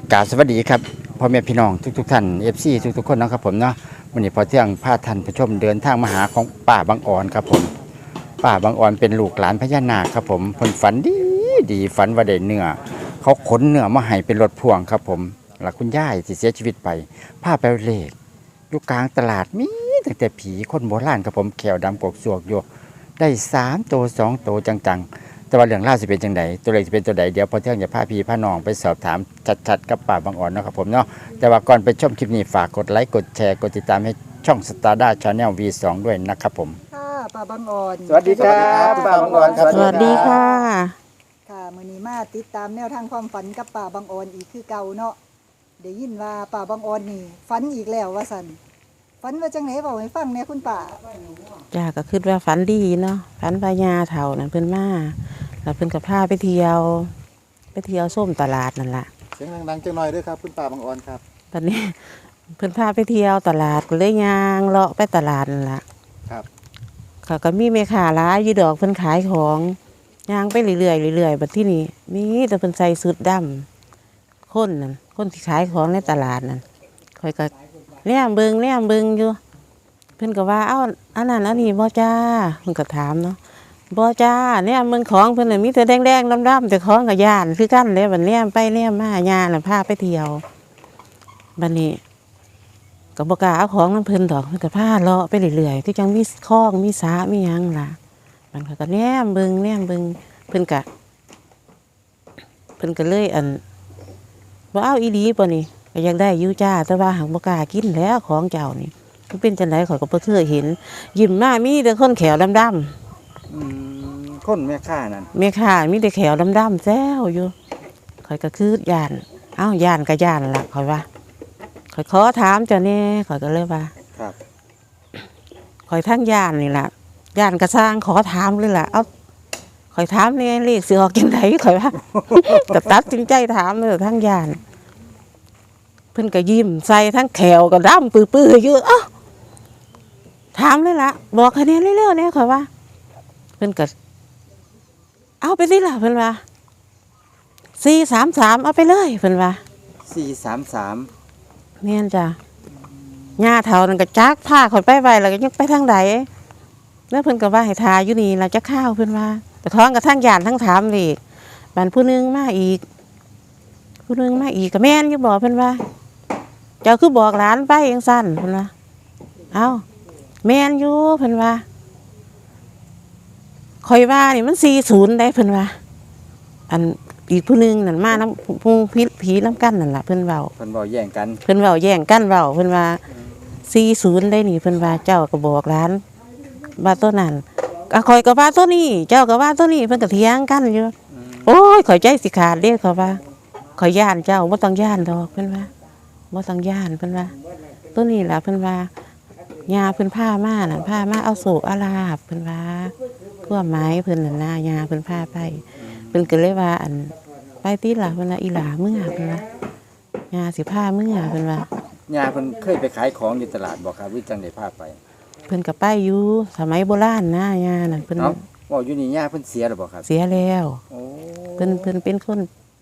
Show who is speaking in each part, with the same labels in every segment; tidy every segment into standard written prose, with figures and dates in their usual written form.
Speaker 1: กราบสวัสดีครับพ่อแม่พี่น้องทุกท่านFC ทุกคนนะครับผมเนาะวันนี้พอเที่ยงพาท่านผู้ชมเดินทางมาหาของป้าบางอ่อนครับผมป้าบางอ่อนเป็นลูกหลานพญานาคครับผมเพิ่นฝันดีฝันว่าได้เนื้อเขาขนเนื้อมาให้เป็นรถพ่วงครับผมหลักคุณย่ายที่เสียชีวิตไปพาไปเลขอยู่กลางตลาดมีตั้งแต่ผีคนโบราณครับผมแขวดำกกสวกอยู่ได้3 ตัว 2 ตัวจังๆแต่ว่าเรื่องล่าวสิเป็นจังไดตัวเลขจะเป็นตัวใดเดี๋ยวพอเที่ยงจะพาพี่พาน้องไปสอบถามชัดๆกับป้าบางอ่อนเนาะครับผมเนาะแต่ว่าก่อนไปชมคลิปนี้ฝากกดไลค์กดแชร์กดติดตามให้ช่องสตาร์ด้าชาแนล V2 ด้วยนะครับผม
Speaker 2: ค่ะป้าบางอ่อน
Speaker 1: สวัสดีครับป้าบางอ่อนครับ
Speaker 3: สวัสดีค่ะ
Speaker 2: ค่ะมื้อนี้มาติดตามแนวทางความฝันกับป้าบางอ่อนอีกคือเก่าเนาะได้ยินว่าป้าบางอ่อนนี่ฝันอีกแล้วว่าซั่นฝันว่าจังไหนเว้าให้ฟังแหน่คุณป้า
Speaker 3: จ้าก็คิดว่าฝันดีเนาะฝันพญาเถ่านั่นเพิ่นมาแล้วเพิ่นก็พาไปเที่ยวส้มตลาดนั่นล่ะ
Speaker 4: เสียงดังๆจังหน่อยด้วยครับคุณป้าบางอ่อนครับ
Speaker 3: ตอนนี้ เพิ่นพาไปเที่ยวตลาดก็เลยย่างเลาะไปตลาดนั่นล่ะ
Speaker 4: ครับ
Speaker 3: เขาก็มีแม่ค้าหลายอยู่ดอกเพิ่นขายของย่างไปเรื่อยๆบัดที่นี่มีแต่เพิ่นใส่สุดดำคนนั่นคนที่ขายของในตลาดนั่นคอยก็แนมเบิ่งอยู่เพิ่นก็ว่าเอ้าอันนั้นอันนี้บ่จ้าเพิ่นก็ถามเนาะบ่จ้าเนี่ยเบิ่งของเพิ่นน่ะมีแต่แดงๆดำๆแต่ของก็ย่านคือกันเลยบัดแนมไปแนมมาย่าน่ะพาไปเที่ยวบัดนี้ก็บ่กล้าเอาของนำเพิ่นดอกเพิ่นก็พาเลาะไปเรื่อยๆที่จังมีคลองมีสระมีหยังล่ะมันก็แนมเบิ่งเพิ่นก็เลยบ่เอาอีหลีป่ะนี่ก็อยากได้อยู่จ้าแต่ว่าหักบ่กล้ากินแล้วของเจ้านี่มันเป็นจังไดข่อยก็บ่เคยเห็นยิ้มมามีแต่คนแขวดำ
Speaker 1: คนแม่ค้านั่น
Speaker 3: แม่ค้ามีแต่แขวดำแซวอยู่ข่อยก็คือย่านเอ้าย่านก็ย่านล่ะข่อยว่าข่อยขอถามเจ้าแน่ข่อยก็เลยว่า
Speaker 1: ครับ
Speaker 3: ข่อยทั้งย่านนี่ล่ะย่านก็สร้างขอถามเลยล่ะเอ้าข่อยถามแน่เลขสิออกจังไดข่อยว่า ก็ตัดสินใจถามเลยทั้งย่านเพิ่นก็ยิ้มใส่ทั้งแขวก็ดำปื้อๆอยู่เอ้าถามเลยล่ะบอกคะแนนเร็วๆเนี่ยข่อยว่าเพิ่นก็เอาไปสิล่ะเพิ่นว่า433เอาไปเลยเพิ่นว่า
Speaker 1: 433
Speaker 3: แม่นจ้ะย่าเฒ่านั่นก็จักพาข่อยไปไว้แล้วก็ยังไปทางใดแล้วเพิ่นก็ว่าให้ทาอยู่นี่ล่ะจะข้าวเพิ่นว่าแต่ท้องก็ทั้งย่านทั้งถามอีกบัดผู้นึงมาอีกก็แม่นอยู่บอกเพิ่นว่าเจ้าคือบอกหลานไปจังซั่นเพิ่นว่าเอ้าแม่นอยู่เพิ่นว่าข่อยว่านี่มัน40ได้เพิ่นว่าอันอีกผู้นึงนั่นมาน้ำผู้ผีน้ำกันนั่นล่ะเพิ่นเว้า
Speaker 1: เพิ่นบ่แย่งกัน
Speaker 3: เพิ่นเว้าแย่งกันเว้าเพิ่นว่า40ได้นี่เพิ่นว่าเจ้าก็บอกหลานว่าตัวนั้นก็ข่อยก็ว่าตัวนี้เจ้าก็ว่าตัวนี้เพิ่นก็เถียงกันอยู่โอ้ยข่อยใจสิขาดเด้เขาว่าข่อยย่านเจ้าบ่ต้องย่านดอกเพิ่นว่าบ่ต้องย่านเพิ่นว่าตัวนี้ล่ะเพิ่นว่าย่าเพิ่นพามาน่ะพามาเอาโศกอาลาบเพิ่นว่าทั่วไม้เพิ่นน่ะนะย่าเพิ่นพาไปเพิ่นก็เลยว่าอันไปติล่ะเพิ่นว่าอีหลาเมื่อเพิ่นว่าย่าสิพาเมื่อเพิ่นว่า
Speaker 1: ย่าเพิ่นเคยไปขายของอยู่ตลาดบ่ครับหรือจังได้พาไป
Speaker 3: เพิ่นก็ไปอยู่สมัยโบราณนะย่านั่นเพิ่น
Speaker 1: เอ้าเว้าอยู่นี่ย่าเพิ่นเสียแล้วบ่ครับ
Speaker 3: เสียแล้ว
Speaker 1: โอ้
Speaker 3: เพิ่นเป็นคน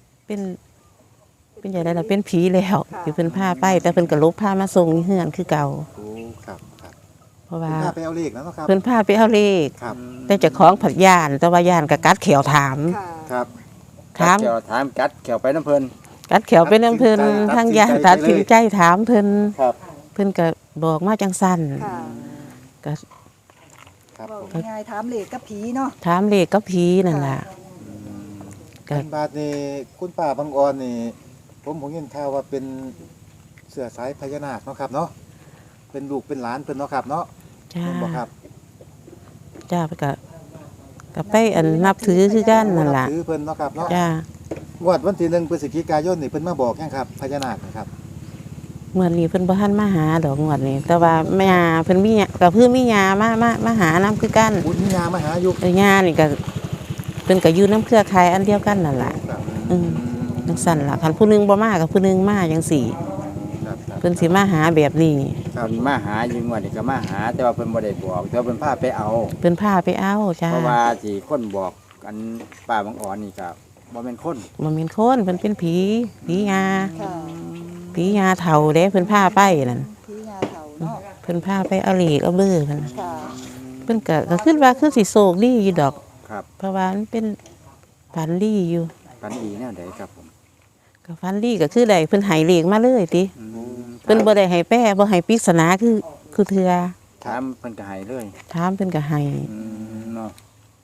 Speaker 3: เป็นจังได๋ล่ะเป็นผีแล้วที่เพิ่นพาไปแต่เพิ่นก็ลบพามาส่งเฮือนคือเก่า
Speaker 4: โอ้ครับครับ
Speaker 3: เพราะว่า
Speaker 4: พาไปเอาเลขแล้วเนาะครับ
Speaker 3: เพิ่นพาไปเอาเลข
Speaker 4: ครับ
Speaker 3: แต่เจ้าของผัดย่านแต่ว่าย่านก็กัดแขวถาม
Speaker 2: ค่ะ
Speaker 4: ครับ
Speaker 3: ถาม
Speaker 1: เกี่ยวถามกัดเกี่ยวไปน้ำเพิ่น
Speaker 3: กัดแขวไปนำเพิ่นทางย่านตัดสินใจถามเพิ่น
Speaker 4: ครับ
Speaker 3: เพิ่นก็บอกมาจังซั่น
Speaker 2: ค่ะ
Speaker 3: ก็
Speaker 4: ครับ
Speaker 2: เว้า
Speaker 4: ผม
Speaker 2: ง่ายๆถามเลขกับผีเนาะ
Speaker 3: ถามเลขกับผีนั่นล่ะ ก็
Speaker 4: อันบาทนี่คุณป้าบางอ่อนนี่ผมยินข่าวว่าเป็นเสือสายพญานาคเนาะครับเนาะเป็นลูกเป็นหลานเพิ่นเนาะครับเนาะ
Speaker 3: จ้า
Speaker 4: แม่นบ่ครับ
Speaker 3: จ้าไปก็ไปนับถือคือกันนั่นล่ะ
Speaker 4: ถือเพิ่นเนาะครับเนาะ
Speaker 3: จ้า
Speaker 4: งวดวันที่1พฤศจิกายนนี่เพิ่นมาบอกยังครับพญานาคนะครับ
Speaker 3: เมื่อนี้เพิ่นบ่ทันมาหาดอกงวดนี้แต่ว่าแม่เพิ่นมีก็คือมียามาหานํคือกัน
Speaker 4: บุญญามาหาอยู่
Speaker 3: แต่ยานี่ก็เพิ่นก็อยู่นํเครือข่ายอันเดียวกันนั่นล่ะ
Speaker 4: ครับ
Speaker 3: จังซั่นล่ะคันผู้หนึงบ่มากับผู้หนึงมาจังซี่
Speaker 4: ครับครับ
Speaker 3: เพิ่นสิมาหาแบบนี้
Speaker 4: ครับ
Speaker 1: เพิ่นมาหาอยู่งวดนี้ก็มาหา แต่ว่าเพิ่นบ่ได้บอกแต่ว่าเพิ่นพาไปเอา
Speaker 3: เพิ่นพาไปเอาจ้า
Speaker 1: เพราะว่าที่คนบอกกันป้าบางอ่อนนี่ก็บ่แม่นคน
Speaker 3: บ่แม่นคนเพิ่นเป็นผียา
Speaker 2: ค่ะ
Speaker 3: ผียาเฒ่าเด้เพิ่นพาไปนั่น
Speaker 2: ผียาเฒ่าเนาะ
Speaker 3: เพิ่นพาไปเอาเหล็กเอาเบ้อเพิ่น
Speaker 2: ค่ะ
Speaker 3: เพิ่นก็คิดว่าคือสิโศกดีอยู่ดอก
Speaker 1: ครับ
Speaker 3: เพราะว่ามันเป็นฝันดีอยู่
Speaker 1: ฝันดีแนวใดครับผม
Speaker 3: ก็ฝันดีก็คือได้เพิ่นให้เหล็กมาเลยติ
Speaker 1: อืม
Speaker 3: เพิ่นบ่ได้ให้แป้บ่ให้ปริศนาคือเทื่อ
Speaker 1: ถามเพิ่นก็ให้เลย
Speaker 3: ถามเพิ่นก็ให้
Speaker 1: เนาะ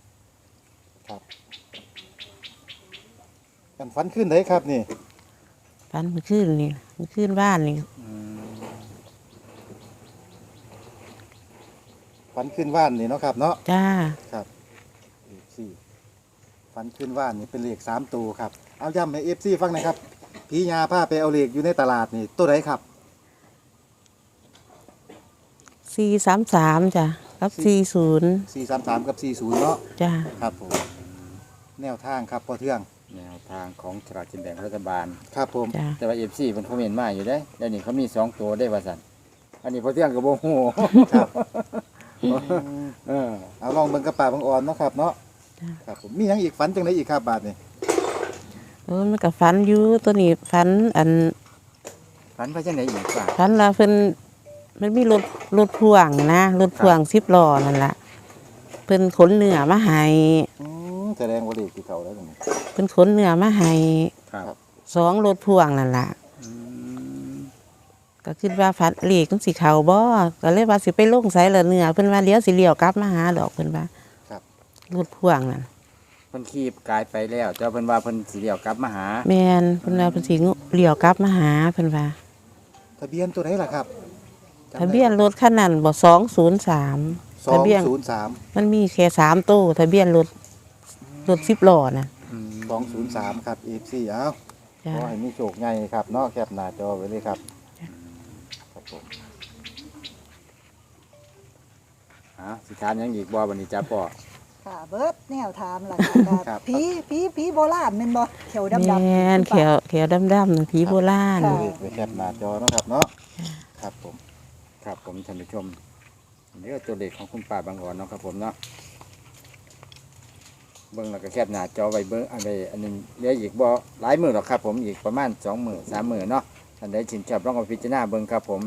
Speaker 4: กันฝันขึ้นได้ครับนี่
Speaker 3: ฝันเมื่อคืนนี่เมื่อคืนบ้านนี่
Speaker 4: ฝันขึ้นว่านนี่เนาะครับเนาะ
Speaker 3: จ้า
Speaker 4: ครับสี่ฝันขึ้นว่านนี่เป็นเลข3ตัวครับเอาย้ำให้ FC ฟังหน่อยครับผียาพาไปเอาเลขอยู่ในตลาดนี่ตัวไหนครับ
Speaker 3: 433จ้ะกับ40
Speaker 4: 433กับ40เนาะ
Speaker 3: จ้า
Speaker 4: ครับผมแนวทางครับพอเทื่อง
Speaker 1: แนวทางของสลากกินแบ่งรัฐบาล
Speaker 4: ครับผม
Speaker 3: จ้า
Speaker 1: แต่ว่า FC เพิ่นคอมเมนต์มาอยู่เด้เดี๋ยวนี้เขามี2ตัวได้ว่าซั่นอันนี้พอเที่ยงก็บ่ฮู้
Speaker 4: ครับ
Speaker 1: เออ
Speaker 4: เอาลองเบิ่งกระป่าบางอ่อนเนาะครับเนาะครับผมมีหยังอีกฝันจังไดอีกครับบาดนี่
Speaker 3: มันก็ฝันอยู่ตัวนี้ฝันอัน
Speaker 1: ฝันว่าจังได๋อีกว่า
Speaker 3: ฝันว่าเพิ่นมันมีรถพ่วงนะรถพ่วง10ล้อนั่นล่ะเพิ่นขนเนื้อมาให้
Speaker 4: แสดงว่าเลขที่เขาแล้วตรงนี้
Speaker 3: เพิ่นขนเนื้อมาให้
Speaker 1: ครับ
Speaker 3: 2รถพ่วงนั่นล่ะ
Speaker 1: อืม
Speaker 3: ก็คิดว่าฝันเลขมันสิเข้าบ่ก็เลยว่าสิไปลงไสละเนื้อเพิ่นว่าเดี๋ยวสิเลี้ยวกลับมาหาดอกเพิ่นว่ารถพ่วงนั่น
Speaker 1: เพิ่นขี่กายไปแล้วแต่ว่าเพิ่นว่าเพิ่นสิเลี้ยวกลับมาหา
Speaker 3: แม่นเพิ่นว่าเพิ่นสิเลี้ยวกลับมาหาเพิ่นว่า
Speaker 4: ทะเบียนตัวไหนล่ะครับ
Speaker 3: ทะเบียนรถคันนั้นบ่203ทะเบียน
Speaker 4: 203
Speaker 3: มันมีแค่3ตู้ทะเบียนรถ10ล้อน่ะ
Speaker 4: 203ครับ FC เอา
Speaker 3: จ้า
Speaker 4: ขอให้มีโชคใหญ่ครับเนาะแคปหน้าจอไว้เลยครับครับผม
Speaker 1: สิถามหยังอีกบ่บัดนี้จ้าพ่อ
Speaker 2: ค่ะเบิดแนวถามล่ะ
Speaker 4: ครั
Speaker 2: ค่ะ
Speaker 4: บ
Speaker 2: ผีโบราณแม่นบ่เขียวดำๆ
Speaker 3: แม่นเขียวดำๆนั่นผีโบราณ
Speaker 2: ค่ะ
Speaker 4: เลขไว้แคปหน้าจอเนาะครับเนาะครับผม
Speaker 1: ครับผมท่านผู้ชมนี่ก็ตัวเลขของคุณป้าบางอ่อนเนาะครับผมเนาะเบิ่งแล้วก็แคบหน้าจอไว้เบิ่งอะไรอันนึงเหลืออีกบ่หลายมื้อหรอกครับผมอีกประมาณ2มื้อ3มื้อเนาะท่านใดชื่นชอบลองเอาพิจารณาเบิ่งครับผม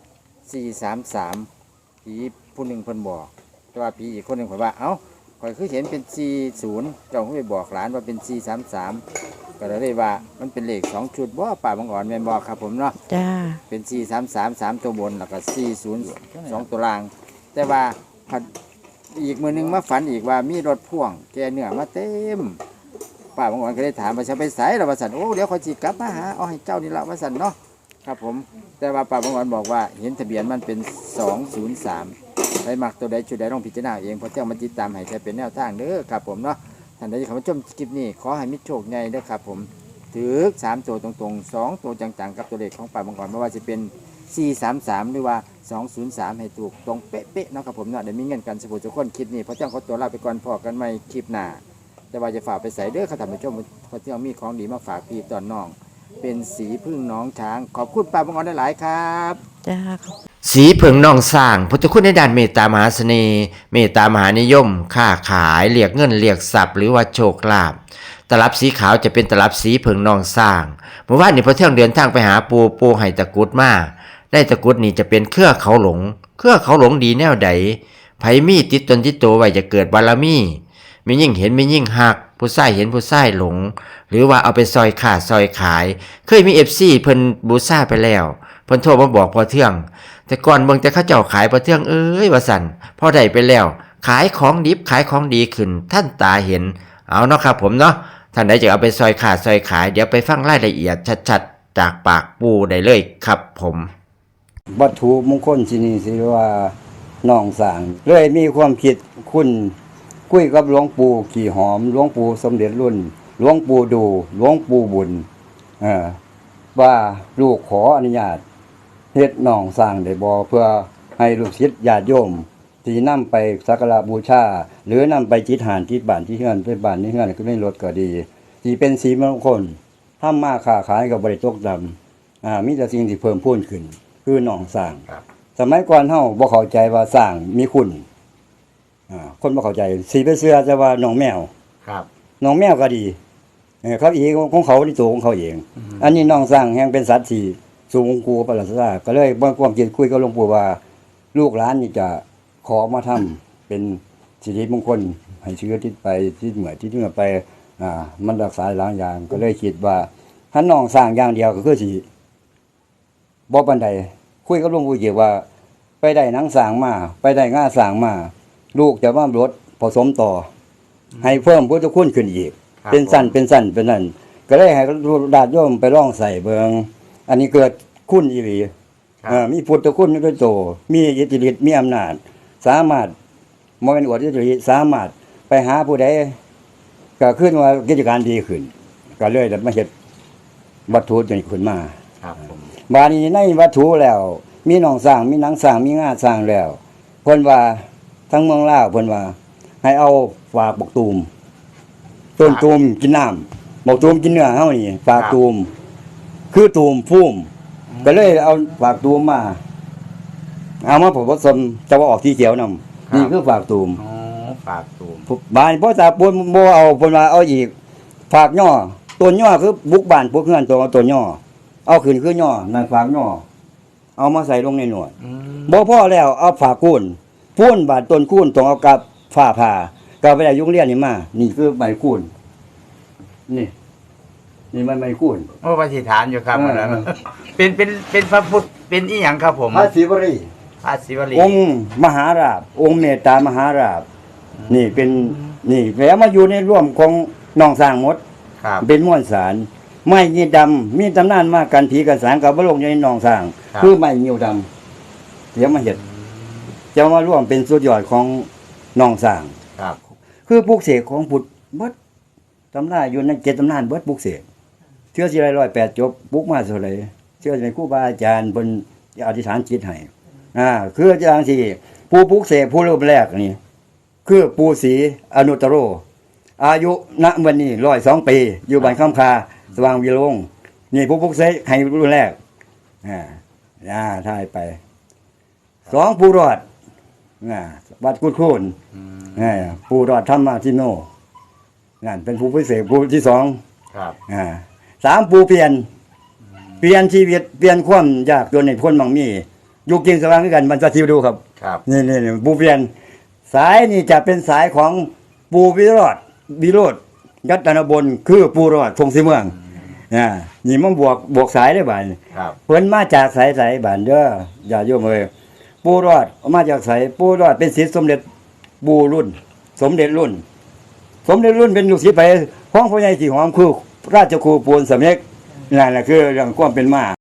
Speaker 1: 433ผีผู้หนึงเพิ่นบอกแต่ว่าผีอีกคนหนึงเพิ่นว่าเอ้าข่อยคือเห็นเป็น40เจ้าเพิ่นไปบอกหลานว่าเป็น433ก็เลยว่ามันเป็นเลข2ชุดบ่ป้าบางอ่อนแม่นบ่ครับผมเนาะ
Speaker 3: จ้า
Speaker 1: เป็น433 3ตัวบนแล้วก็40 2ตัวล่าง แต่ว่าผัดอีกมือหนึงมาฝันอีกว่ามีรถพ่วงแกเนื้อมาเต็มป้าบางวันก็ได้ถามว่าจะไปไสล่ะว่าซั่นโอ้เดี๋ยวขอยสิกลับมาหาเอาให้เจ้านี่ล่ะว่าซั่นเนาะครับผมแต่ว่าป้าบางวันบอกว่าเห็นทะเบียนมันเป็น203ไปมักตัวใดจุดใดต้องพิจารณาเองเพราะเจ้ามันติดตามให้ใช้เป็นแนวทางเด้อครับผมเนาะท่านใดที่เข้ามาชมคลิปนี้ขอให้มีโชคใหญ่เด้อครับผมถือ3ตัวตรงๆ2ตัวจังๆกับตัวเลขของป้าบางวันไม่ว่าจะเป็น 433 หรือว่า 203 ให้ถูกตรงเป๊ะๆเนาะครับผมเนาะเดี๋ยวมีเงินกันสมุดทุกคนคลิปนี้เพราะเจ้าเขาตัวลาไปก่อนพอกันไม่คลิปหน้าแต่ว่าจะฝากไปใส่เด้อค่ะท่านผู้ชมเพราะเจ้ามีของดีมาฝากพี่ตอนน้อง เป็นสีพึ่งน้องช้างขอบคุณป้าบางออนหลายๆครับ
Speaker 3: จ้า
Speaker 5: สีเผิงนองสร้างพุทธคุณในด้านเมตตามหาเสน่ห์เมตตามหานิยม ค้าขายเรียกเงินเรียกทรัพย์หรือว่าโชคลาภตลับสีขาวจะเป็นตลับสีเผิงนองสร้างเมื่อวานนี้พอเที่ยงเดินทางไปหาปูให้ตะกรุดมาได้ตะกรุดนี่จะเป็นเครือเขาหลงดีแนวใดไผมีติดตนติดตัวไว้จะเกิดบารมีมียิ่งเห็นมียิ่งหักผู้ชายเห็นผู้ชายหลง หรือว่าเอาไปซอยขาดซอยขายเคยมี FC เพิ่นบูชาไปแล้วเพิ่นโทรมาบอกพอเที่ยงแต่ก่อนเบิ่งแต่เขาเจ้าขายพอเที่ยงเอ้ยว่าสั่นพอได้ไปแล้วขายของดิบขายของดีขึ้นท่านตาเห็นเอาเนาะครับผมเนาะท่านใดจะเอาไปซอยขาดซอยขายเดี๋ยวไปฟังรายละเอียดชัดๆจากปากปูได้เลยครับผม
Speaker 6: วัตถุมงคลที่นี่สิว่าน้องสางเลยมีความคิดคุณคุยกับหลวงปู่ขี่หอมหลวงปู่สมเด็จรุ่นหลวงปู่ดูหลวงปู่บุญว่าลูกขออนุญาตเฮ็ดน้องสร้างได้บ่เพื่อให้ลูกศิษย์ญาติโยมที่นำไปสักการะบูชาหรือนำไปจิตหานที่บ้านที่เฮือนไปบ้านที่เฮือนก็ได้รถก็ดีที่เป็นสีมงคลทำมาค้าขายก็บ่ได้ตกต่ำมีแต่สิ่งที่เพิ่มพูนขึ้นคือน้องสร้างสมัยก่อนเฮาบ่เข้าใจว่าสร้างมีคุณคนบ่เข้าใจสิไปเชื่อแต่ว่าน้องแมว
Speaker 1: ครับ
Speaker 6: น้องแมวก็ดีเขาเองของเขาที่ตัวของเขาเอง อันนี้น้องสร้างแห่งเป็นสัตว์ที่สูงกูประหลาดซาก็เลยบ่ความคิดคุยกับหลวงปู่ว่า ลูกหลานนี่จะขอมาทำเป็นสิริมงคลให้เชื้อที่ไปที่เหมือที่เหนือไปมันรักษาหลายอย่างก็เลยคิดว่าถ้าน้องสร้างอย่างเดียวก็คือสิบ่ปานใดคุยกับหลวงปู่เกี่ยวว่า ไปได้หนังสร้างมาไปได้ง่าสร้างมาลูกจะมาลดผสมต่อ ให้เพิ่มพุทธคุณขึ้นอีก เป็นสั้นเป็นนั่นก็เลยให้ญาติโยมไปลองใส่เบิงอันนี้เกิดคุณอีหลีมีพุทธคุณด้วยโตมีอิทธิฤทธิ์มีอำนาจสามารถบ่แม่นอวดอิทธิฤทธิ์สามารถไปหาผู้ใดก็ขึ้นว่ากิจการดีขึ้นก็เลยได้มาเฮ็ดวัตถุนี้ขึ้นมา
Speaker 1: ครับผม
Speaker 6: บาดนี้ในวัตถุแล้ว มีหนองสร้างมีหนังสร้างมีงาสร้างแล้วเพิ่นว่าทั้งเมืองลาวเพิ่นว่า ให้เอาฝากบักตูมต้นตูมกินน้ำบักตูมกินเนื้อเฮานี่ฝากตูมคือตูมพุ่มก็เลยเอาฝากตูมมาเอามาผสมจะว่าออกสีเขียวนำนี่คือฝากตูม
Speaker 1: อ๋อฝากตูม
Speaker 6: บ้านพ่อตาปูนบ่เอาเพิ่นว่าเอาอีกฝากย่อต้นย่อคือบุกบ้านพวกเฮือนตัวต้นย่อเอาขึ้นคือย่อนั่นฝากย่อเอามาใส่ลงในหนวดบ่พอแล้วเอาฝากคูนพูนบาดต้นคูนต้องเอากับฝ้าผ่าก็ไปได้ยุงเรียนนี่มานี่คือใบคูนนี่มันใบคูน
Speaker 1: โอ้ปฏิฐานอยู่ครับ
Speaker 6: เออ
Speaker 1: อันนั้นเป็นพระพุทธเป็นอีหยังครับผม
Speaker 6: พระศิวรี
Speaker 1: พระศิวลี
Speaker 6: องค์มหาราชองค์เมตตามหาราชนี่เป็นนี่แล้วมาอยู่ในร่วมของน้องสร้างหมด
Speaker 1: ครับ
Speaker 6: เป็นม้วนสารไม้ยีดำมีตำนานมากันผีกันสางกับบลงในหนองสร้าง
Speaker 1: ครับ
Speaker 6: คือไม้ยิวดำเดี๋ยวมาเห็ดจะมาร่วมเป็นสุดยอดของหนองสร้าง
Speaker 1: ครับ
Speaker 6: คือปลูกเสกของพุทธเบิดตำราอยู่ในเจ็ดตำนานเบิดปลูกเสกเชื่อสิไร108จบปลูกมาเท่าไหร่เชื่อในครูบาอาจารย์บนอธิษฐานจิตให้คืออาจารย์ที่ผู้ปลูกเสกผู้เริ่มแรกนี่คือปู่ศรีอนุตตโร อายุณวันนี้102 ปี อยู่บ้านคำคาสว่างวิโรงนี่ผู้ปลุกเสกให้รุ่นแรกถ่ายไป2ผู้รอดวัดกุดโคนผู้รอดธรรมทิโนนั่นเป็นผู้พิเศษผู้ที่2
Speaker 1: ครับ
Speaker 6: 3ผู้เปลี่ยนชีวิตเปลี่ยนความยากจนในพ้นบางมีอยู่กินสว่างด้วยกันมันจะทิวดูครับ
Speaker 1: ครับ
Speaker 6: นี่ผู้เปลี่ยนสายนี่จะเป็นสายของปูวิโรธยัตนบลคือปูรอดทงสีเมืองนี่มันบวกสายได้บ่าน
Speaker 1: ครับ
Speaker 6: เพิ่นมาจากสายบ้านเด้ออย่าโยมเอ้ยปูรอดมาจากสายปูรอดเป็นศิษย์สมเด็จปูรุ่น สมเด็จรุ่นเป็นลูกศิษย์ไปของพ่อใหญ่สีหอมคือราชครูปูนสำเร็จนั่นแหละคือเรื่องความเป็นมา